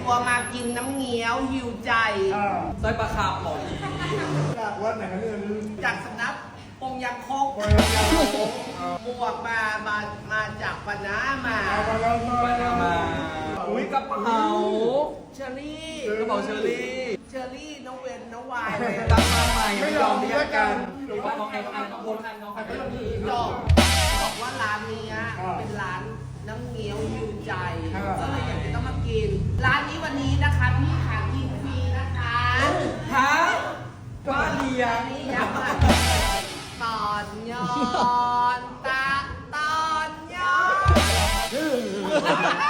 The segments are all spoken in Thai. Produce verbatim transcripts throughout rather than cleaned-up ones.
ตัวมากินน้ำเงี้ยวหิวใจซอยปลาคาบหอมดีจากวัดไหนเนี่ยจากสำนักปงยังคกหมวกมามามาจากปนามาปลามาอุ้ยกระเป๋าเชอรี่กระเป๋าเชอรี่เชอรี่น้องเวนน้องวายตั้งมาใหม่ไม่ยอมเรียกกันดูว่าน้องไอ้อันน้องคนอันน้องอันเป็นพี่จบบอกว่าร้านนี้เป็นร้านน้ำเงี้ยวหิวใจก็เลยอยากจะต้องมากินร้านนี้วันนี้นะคะพี่ขากินฟรีนะคะฮะว่าเลียนี่ยักษ์ตอนย้อนตาตอนย้อน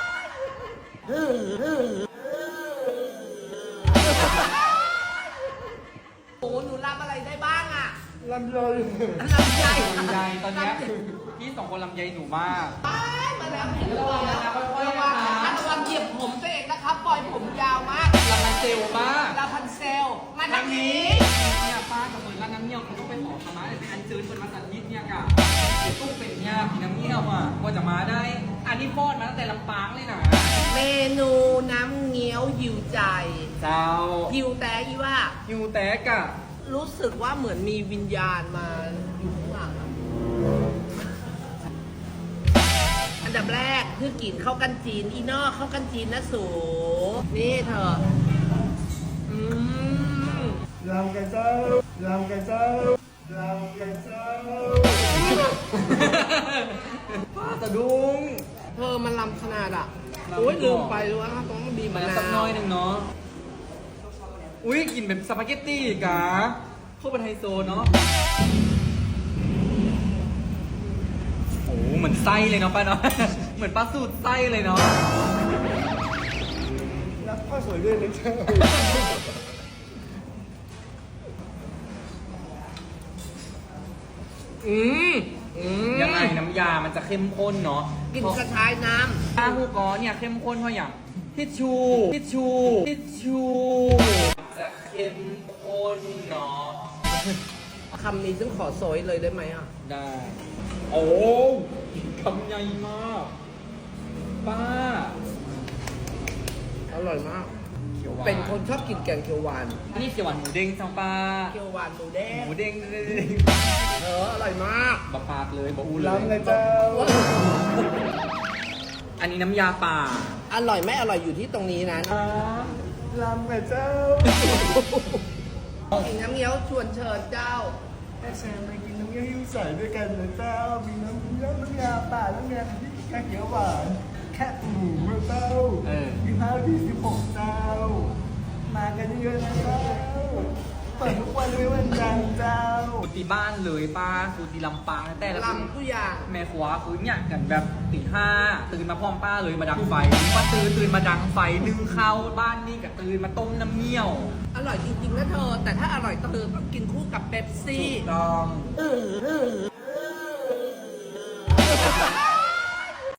โอ้หนูรับอะไรได้บ้างอะลำไยลำไยลำไยตอนนี้พี่สองคนลำไยหนูมากไปมาแล้วเห็นแล้วระวังนะคะระวังเหยียบผมตัวเองนะครับปล่อยผมยาวมากลาพันเซลมากลาพันเซลมาทางนี้เนี่ยป้ากับเปิดร้านน้ำเงี้ยวเขาต้องไปขอขมาเลยอันซื้อเป็นมาสันนิดเนี่ยกะตู้เป็นเนี่ยพี่น้ำเงี้ยวอ่ะกว่าจะมาได้ อันนี้ฟอดมาตั้งแต่ลำปางเลยนะเมนูน้ำเงี้ยวหิวใจเจ้าหิวแต่อีว่ายูแตกอะรู้สึกว่าเหมือนมีวิญญาณมาอยู่ข้างหลังอะอันดับแรกคือกินข้าวกันจีนอีนอกข้าวกันจีนนะสูนี่เธออืมลำกันเจ้าลำกันเจ้าลำกันเจ้าป้าสะดุ้งเธอมันลำขนาดอ่ะลำโอ้ยไม่ลืบมอกไปเลยว่าต้องมีมะมาแล้วนาสักน้อวยหนึ่งเนาะอุ้ยกลิ่นแบบสปาเกตตี้กะโคตรเป็นไฮโซเนาะโอ้เหมือนไส้เลยเนาะป้าเนาะ เหมือนปลาสูตรไส้เลยเนาะรับข้าวสวยด้วยนะเจ้าอืมอืมยังไงน้ำยามันจะเข้มข้นเนาะกินกระชายน้ปลาฮูกอเนี่ยเข้มข้นเพราะอย่างทิชชูทิชชูทิชชูจะเข้มข้นเนาะำคำนี้ฉันขอโซยเลยได้ไหมอ่ะได้ โอ้คำใหญ่มากป้าอร่อยมากเขียวหวานเป็นคนชอบกินแกงเขียวหวานอันนี้เขียวหวานหมูเด้งจังป้าเขียวหวานหมูแดงหมูเด้งเอออร่อยมากบะปากเลยบะอูเลยลำกันเจ้าอันนี้น้ำยาป่าอร่อยไม่อร่อยอยู่ที่ตรงนี้นะลำกันเจ้ากินน้ำเงี้ยวชวนเชิญเจ้าแม่แชร์มากินน้ำเงี้ยวหิ้วใส่ด้วยกันนะเจ้ามีน้ำเงี้ยวน้ำยาป่าน้ำยาที่แค่เขียวหวานแค่หมูเจ้าเออมีข้าวที่สิบหกเจ้า มากันเยอะๆนะเจ้าเปิดทุกวันเลยวันจันทร์เจ้าสูตรที่บ้านเลยป้าสูตรที่ลำปางแต่ละลำทุกอย่างแม่ครัวคือเนี่ยกันแบบตีห้าตื่นมาพร้อมป้าเลยมาดังไฟป้าตื่นตื่นมาดังไฟนึ่งข้าวบ้านนี่กับตื่นมาต้มน้ำเงี้ยวอร่อยจริงๆนะเธอ แต่ถ้าอร่อยเธอต้องกินคู่กับเป๊ปซี่ถูกต้อง